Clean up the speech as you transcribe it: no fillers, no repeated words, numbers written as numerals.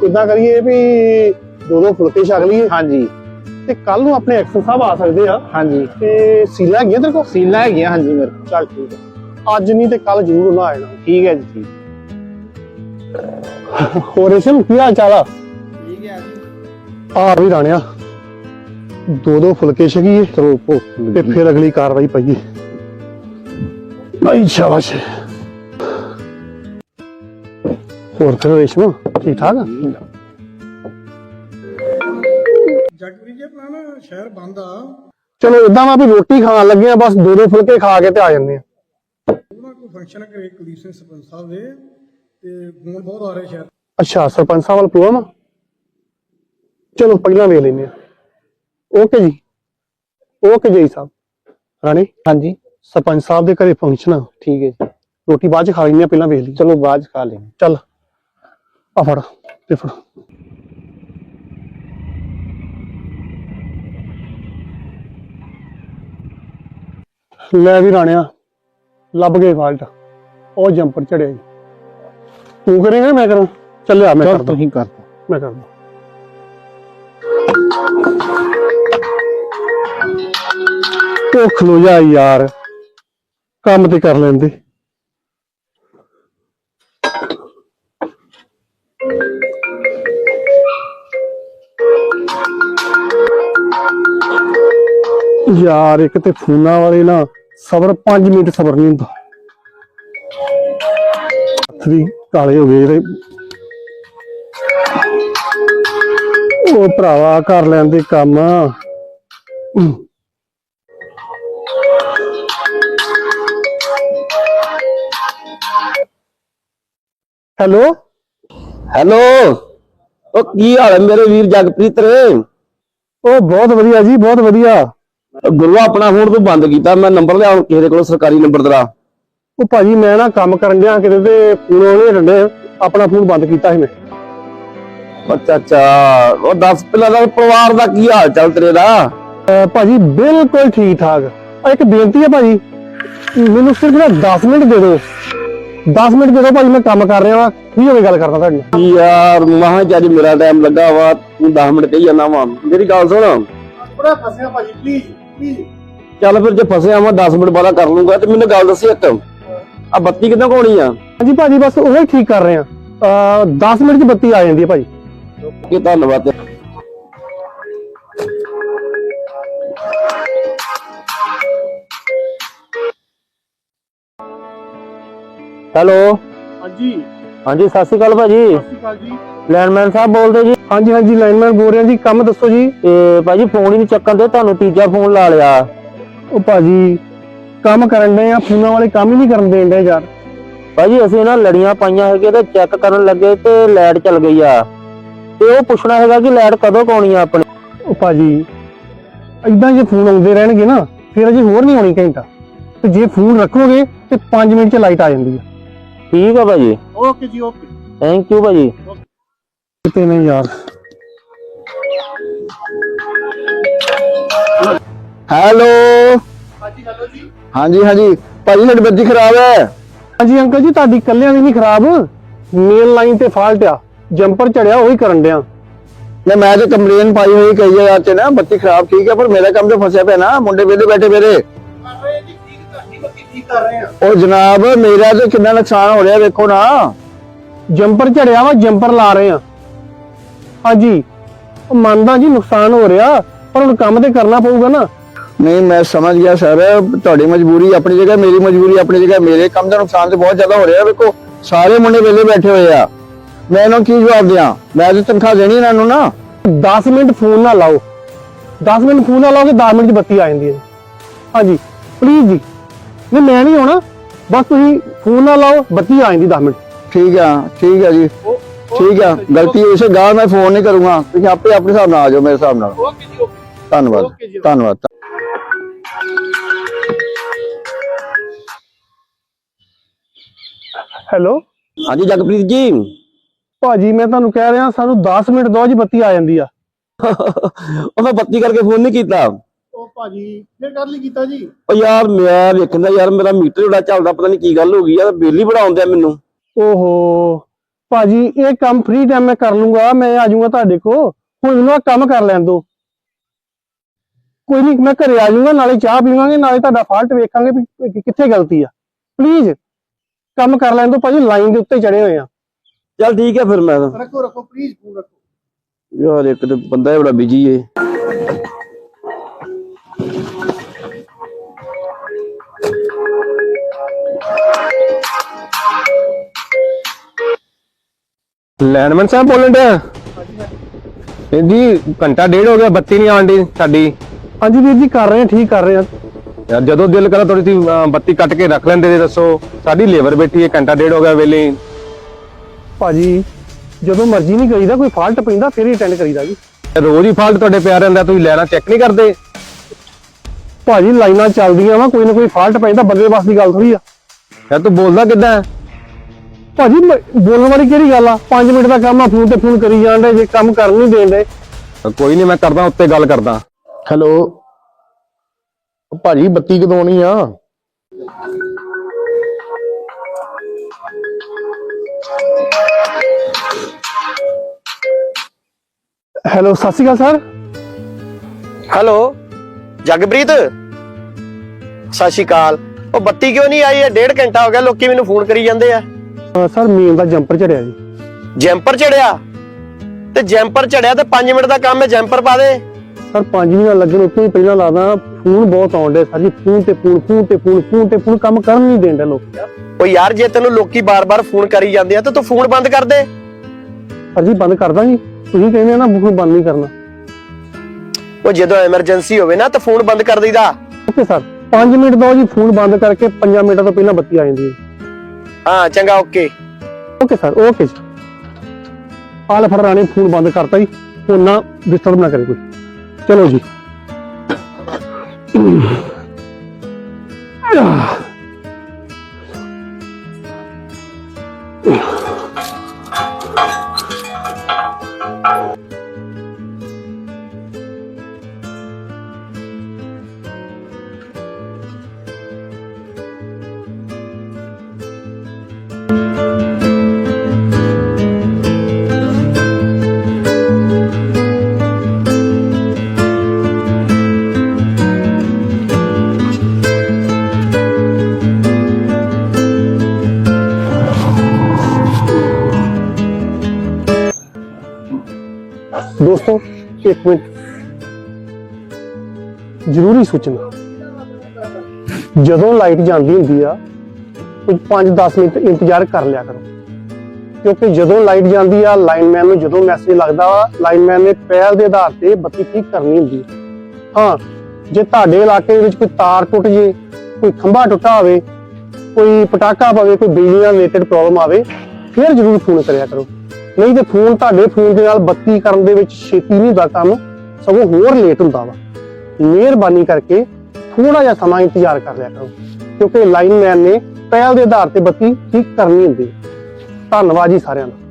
इदा करिए भी दो दो फुलके छक लीए। हाँ जी ते कल नूं अपने एक्शन साहब आ सकते हैं। हाँ जी ते सीला है तेरे को? सीला है हाँ जी मेरे को। चल ठीक है, अज नहीं तो कल जरूर उन्हें आ जाना। ठीक है जी ठीक। हो रेशम की हाल चाल? ठीक है जी। आ भी राणिया दो दो फुलके छकीए ते फिर अगली कार्रवाई पाइए। भाई शाबाश। और फिर रेशम ठीक ठाक? जगप्रीत जी अपना ना शहर बंद आ चलो इदा वा भी रोटी खान लगे हैं, बस दो दो फुलके खा के ते आ जाने। कोई फंक्शन है घरे कुलदीप सिंह सरपंच साहब दे ते फोन बहुत आ रहे शहर। अच्छा सरपंच साहब वाल प्रोग्राम? चलो पहला वेख लेने। ओके जी, ओके जी साहब। राणी हाँ जी सरपंच साहब के घरे फंक्शन आ। ठीक है जी। रोटी बाद च खा लेनी, पहला वेख ली। चलो बाद खा लेंगे। चल आ फड़ ते फड़। ले भी राणिया लभ गए फाल्ट, ओ जंपर चढ़िया जी। तू करेगा मैं करा? चल आ मैं चल कर तू ही कर। मैं कर दूं। ओ खलो जा यार, काम ते कर लेंदे। यार एक ते फोना वाले ना सबर 5 मिनट सबर नहीं होंदा। हत्थ भी काले हो गए। ओ भरावा कर लेंदे काम। हेलो हेलो ओ की हाल है मेरे वीर जगप्रीत रे? ओ बहुत वधिया जी, बहुत वधिया। गुरुआ अपना फोन तू बंद किया, मैं नंबर लिया किसी को सरकारी नंबर तेरा। ओ भाजी मैं ना काम करन दिया किते ते फोन ओने डंडे अपना फोन बंद कीता ही मैं। अच्छा अच्छा और दस पहला परिवार का की हाल चाल तेरे दा? भाजी बिल्कुल ठीक ठाक। एक बेनती है भाजी, मैनू सिर्फ ना 10 मिनट दे दो। 10 मिनट दे दो भाजी, मैं काम कर रहा फ्री हो के गल करना तुहाडे नाल। यार महा चाची मेरा टाइम लगा वा, तू 10 मिनट कही जाना वा। मेरी गल सुन, थोड़ा फसिया भाजी, प्लीज प्लीज। चल फिर जो फसे मैं 10 मिनट बाद कर लूंगा। ते मैनू गल दसी एक, आ बत्ती कितना को होनी आ? हाँ जी भाजी बस वही ठीक कर रहे हैं। 10 मिनट की बत्ती आ जाती है भाजी। कि धन्यवाद। हेलो हाँ जी हाँ जी सत श्री अकाल भाजी। जी। लैंडमैन साहब बोलते जी? हाँ जी लाइनमैन बोल रहे हैं जी। काम दसो जी। भाजी फोन ही नहीं चक्कन दे, तुहानू तीजा फोन ला लिया। ओ भाजी काम करन दे, फोन वाले काम ही नहीं करन देन दे यार। भाजी असं ना लड़ियां पाइया है ते चेक करन लगे ते लाइट चल गई आ, ते ओ पुछना है कि लाइट कदों आउणी आ अपनी? ओ भाजी इदा जे फोन आउंदे रहणगे ना फिर अजे होर नहीं आउणी घंटा, ते जे फोन रखोगे ते 5 मिनट च लाइट आ जांदी है। ठीक है भाजी। ओके जी ओके। थैंक यू भाजी। किते नहीं यार। हेलो हाँ जी भाजी साडी बत्ती खराब है। हाँ जी अंकल जी ताड़ी कल्यां दी नहीं खराब, मेन लाइन ते फॉल्ट आ, जंपर चढ़िया वही करन दिया। नहीं मैं तो कंप्लेन पाई हुई कई जगह से ना, बत्ती खराब ठीक है पर मेरा काम तो फंसा पे ना, मुंडे वेले बैठे मेरे। ओ जनाब मेरा तो कितना नुकसान हो रहा देखो ना। जंपर चढ़िया वा, जंपर ला रहे हैं। हाँ जी मानदा जी नुकसान हो रहा, पर हुण काम ते करना पऊगा ना। नहीं मैं समझ गया सर, थोड़ी मजबूरी अपनी जगह, मेरी मजबूरी अपनी जगह। मेरे काम का नुकसान तो बहुत ज्यादा हो रहा है। देखो सारे मुंडे वेले बैठे हुए आ, मैं इन्होंने की जवाब दिया? मैं तो तनख्वाह देनी इन्होंने ना। 10 मिनट फोन ना लाओ, 10 मिनट फोन ना लाओगे 10 मिनट बत्ती आ जाती है। हाँ जी प्लीज जी, नहीं मैं नहीं आना, बस तुम फोन ना लाओ बत्ती आ जाती 10 मिनट। ठीक है जी ठीक है, गलती इसे गाल मैं फोन नहीं करूंगा, तुम आपे अपने हिसाब नाल आ जाओ मेरे हिसाब नाल। धन्यवाद धन्यवाद। हेलो हाँ जी जगप्रीत जी। भाजी मैं ਤੁਹਾਨੂੰ ਕਹਿ ਰਿਹਾ ਸਾਨੂੰ 10 ਮਿੰਟ ਦੋ ਜੀ ਬੱਤੀ ਆ ਜਾਂਦੀ ਆ। ਉਹ ਮੈਂ ਬੱਤੀ ਕਰਕੇ ਫੋਨ ਨਹੀਂ ਕੀਤਾ। ਉਹ ਭਾਜੀ ਫਿਰ ਕਰ ਲਈ ਕੀਤਾ ਜੀ। ਉਹ ਯਾਰ ਮੈਂ ਵੇਖਦਾ ਯਾਰ ਮੇਰਾ ਮੀਟਰ ਜਿਹੜਾ ਚੱਲਦਾ, ਪਤਾ ਨਹੀਂ ਕੀ ਗੱਲ ਹੋ ਗਈ ਯਾਰ, ਬਿੱਲ ਹੀ ਬੜਾ ਆਉਂਦਾ ਮੈਨੂੰ। ਓਹੋ ਭਾਜੀ ਇਹ ਕੰਮ ਫ੍ਰੀ ਟਾਈਮ ਮੈਂ ਕਰ ਲੂੰਗਾ, ਮੈਂ ਆ ਜਾਊਂਗਾ ਤੁਹਾਡੇ ਕੋਲ। ਹੁਣ ਮੈਨੂੰ ਆਹ ਕੰਮ ਕਰ ਲੈਣ ਦਿਓ। ਕੋਈ ਨਹੀਂ, ਮੈਂ ਘਰੇ ਆ ਜਾਊਂਗਾ, ਨਾਲੇ ਚਾਹ ਪੀਵਾਂਗੇ, ਨਾਲੇ ਤੁਹਾਡਾ ਫਾਲਟ ਵੇਖਾਂਗੇ ਵੀ ਕਿੱਥੇ ਗਲਤੀ ਆ। ਪਲੀਜ਼ ਕੰਮ ਕਰ ਲੈਣ ਦਿਓ ਭਾਜੀ, ਲਾਈਨ ਦੇ ਉੱਤੇ ਚੜੇ ਹੋਏ ਆ। ਚੱਲ ਠੀਕ ਹੈ ਫਿਰ ਮੈਂ ਰੱਖੋ ਪਲੀਜ਼ ਫੋਨ ਰੱਖੋ। ਯਾਰ ਇੱਕ ਤੇ ਬੰਦਾ ਬੜਾ ਬਿਜੀ ਏ। ਲੈਂਡਮੈਨ ਸਾਹਿਬ ਬੋਲਣ ਡਿਆ ਜੀ? ਘੰਟਾ ਡੇਢ ਹੋ ਗਿਆ, ਬੱਤੀ ਨਹੀਂ ਆਉਂਦੀ ਸਾਡੀ। ਹਾਂਜੀ ਵੀਰ ਜੀ, ਕਰ ਰਹੇ ਆ, ਠੀਕ ਕਰ ਰਹੇ ਆ। ਯਾਰ ਜਦੋਂ ਦਿਲ ਕਰਾ ਥੋੜੀ ਸੀ ਬੱਤੀ ਕੱਟ ਕੇ ਰੱਖ ਲੈਂਦੇ। ਦੱਸੋ, ਸਾਡੀ ਲੇਬਰ ਬੈਠੀ ਹੈ, ਘੰਟਾ ਡੇਢ ਹੋ ਗਿਆ ਵੇਲੇ। ਭਾਜੀ ਜਦੋਂ ਮਰਜ਼ੀ ਨਹੀਂ ਕਰੀਦਾ, ਕੋਈ ਫਾਲਟ ਪੈਂਦਾ ਫਿਰ ਹੀ ਅਟੈਂਡ ਕਰੀਦਾ ਜੀ। ਰੋਜ਼ ਹੀ ਫਾਲਟ ਤੁਹਾਡੇ ਪਿਆ ਰਹਿੰਦਾ, ਤੁਸੀਂ ਲੈਣਾ ਚੈੱਕ ਨਹੀਂ ਕਰਦੇ? ਭਾਜੀ ਲਾਈਨਾਂ ਚੱਲਦੀਆਂ ਵਾ, ਕੋਈ ਨਾ ਕੋਈ ਫਾਲਟ ਪੈਂਦਾ, ਬੰਦੇ ਬਸ ਦੀ ਗੱਲ ਥੋੜੀ ਆ। ਯਾਰ ਤੂੰ ਬੋਲਦਾ ਕਿੱਦਾਂ? ਭਾਜੀ ਬੋਲਣ ਵਾਲੀ ਕਿਹੜੀ ਗੱਲ ਆ? 5 ਮਿੰਟ ਦਾ ਕੰਮ ਆ, ਫੋਨ ਤੇ ਫੋਨ ਕਰੀ ਜਾਣ ਦੇ, ਜੇ ਕੰਮ ਕਰਨ ਨਹੀਂ ਦੇਣ ਦੇ। ਕੋਈ ਨਹੀਂ, ਮੈਂ ਕਰਦਾ ਉੱਤੇ ਗੱਲ ਕਰਦਾ। ਹੈਲੋ ਭਾਜੀ, ਬੱਤੀ ਕਦੋਂ ਆਉਣੀ ਆ? ਹੈਲੋ, ਸਤਿ ਸ਼੍ਰੀ ਅਕਾਲ ਸਰ। ਹੈਲੋ ਜਗਪ੍ਰੀਤ, ਸਤਿ ਸ਼੍ਰੀ ਅਕਾਲ। ਉਹ ਬੱਤੀ ਕਿਉਂ ਨਹੀਂ ਆਈ ਹੈ? 1.5 ਘੰਟਾ ਹੋ ਗਿਆ, ਲੋਕੀ ਮੈਨੂੰ ਫੋਨ ਕਰੀ ਜਾਂਦੇ ਆ। ਸਰ ਮੇਨ ਦਾ ਜੰਪਰ ਚੜਿਆ ਜੀ। ਜੈਂਪਰ ਚੜਿਆ? ਤੇ ਜੈਂਪਰ ਚੜਿਆ ਤੇ 5 ਮਿੰਟ ਦਾ ਕੰਮ ਹੈ, ਜੈਂਪਰ ਪਾ ਦੇ। ਸਰ 5 ਮਿੰਟ ਲੱਗਣ ਉੱਤੇ ਹੀ ਪਹਿਲਾਂ ਲਾਦਾ। ਫੋਨ ਬਹੁਤ ਆਉਂਦੇ ਸਰ ਜੀ, ਫੋਨ ਤੇ ਫੋਨ ਕੰਮ ਕਰਨ ਨਹੀਂ ਦੇਂਦੇ ਲੋਕ। ਉਹ ਯਾਰ ਜੇ ਤੈਨੂੰ ਲੋਕੀ ਬਾਰ-ਬਾਰ ਫੋਨ ਕਰੀ ਜਾਂਦੇ ਆ ਤਾਂ ਤੂੰ ਫੋਨ ਬੰਦ ਕਰ ਦੇ। ਸਰ ਜੀ ਬੰਦ ਕਰਦਾ ਜੀ, ਤੁਸੀਂ ਕਹਿੰਦੇ ਨਾ ਫੋਨ ਬੰਦ ਨਹੀਂ ਕਰਨਾ। ਉਹ ਜਦੋਂ ਐਮਰਜੈਂਸੀ ਹੋਵੇ ਨਾ ਤਾਂ ਫੋਨ ਬੰਦ ਕਰ ਦਈਦਾ। ਓਕੇ ਸਰ, 5 ਮਿੰਟ ਦੋ ਜੀ, ਫੋਨ ਬੰਦ ਕਰਕੇ 5 ਮਿੰਟਾਂ ਤੋਂ ਪਹਿਲਾਂ ਬੱਤੀ ਆ ਜਾਂਦੀ ਹੈ। ਹਾਂ ਚੰਗਾ, ਓਕੇ। ਓਕੇ ਸਰ, ਓਕੇ ਜੀ। ਆਲ ਫੜ ਰਾਣੀ, ਫੋਨ ਬੰਦ ਕਰਤਾ ਜੀ, ਹੁਣ ਨਾ ਡਿਸਟਰਬ ਨਾ ਕਰੇ ਕੋਈ। ਚਲੋ ਜੀ। ਦੋਸਤੋ ਇੱਕ ਮਿੰਟ, ਜ਼ਰੂਰੀ ਸੂਚਨਾ। ਜਦੋਂ ਲਾਈਟ ਜਾਂਦੀ ਹੁੰਦੀ ਆ ਕੁਝ 5-10 ਮਿੰਟ ਇੰਤਜ਼ਾਰ ਕਰ ਲਿਆ ਕਰੋ, ਕਿਉਂਕਿ ਜਦੋਂ ਲਾਈਟ ਜਾਂਦੀ ਆ ਲਾਈਨਮੈਨ ਨੂੰ ਜਦੋਂ ਮੈਸੇਜ ਲੱਗਦਾ ਵਾ, ਲਾਈਨਮੈਨ ਨੇ ਪਹਿਲ ਦੇ ਆਧਾਰ ਤੇ ਬੱਤੀ ਠੀਕ ਕਰਨੀ ਹੁੰਦੀ ਹੈ। ਹਾਂ, ਜੇ ਤੁਹਾਡੇ ਇਲਾਕੇ ਵਿੱਚ ਕੋਈ ਤਾਰ ਟੁੱਟ ਜੇ, ਕੋਈ ਖੰਭਾ ਟੁੱਟਾ ਹੋਵੇ, ਕੋਈ ਪਟਾਕਾ ਪਵੇ, ਕੋਈ ਬਿਜਲੀ ਨਾਲ ਰਿਲੇਟਡ ਪ੍ਰੋਬਲਮ ਆਵੇ, ਫਿਰ ਜ਼ਰੂਰ ਫੋਨ ਕਰਿਆ ਕਰੋ। ਨਹੀਂ ਤੇ ਫੋਨ ਤੁਹਾਡੇ ਫੋਨ ਦੇ ਨਾਲ ਬੱਤੀ ਕਰਨ ਦੇ ਵਿੱਚ ਛੇਤੀ ਨਹੀਂ ਹੁੰਦਾ ਕੰਮ, ਸਗੋਂ ਹੋਰ ਲੇਟ ਹੁੰਦਾ ਵਾ। ਮਿਹਰਬਾਨੀ ਕਰਕੇ ਥੋੜਾ ਜਿਹਾ ਸਮਾਂ ਇੰਤਜ਼ਾਰ ਕਰ ਲਿਆ ਕਰੋ, ਕਿਉਂਕਿ ਲਾਈਨਮੈਨ ਨੇ ਪਹਿਲ ਦੇ ਆਧਾਰ ਤੇ ਬੱਤੀ ਠੀਕ ਕਰਨੀ ਹੁੰਦੀ ਹੈ। ਧੰਨਵਾਦ ਜੀ ਸਾਰਿਆਂ ਦਾ।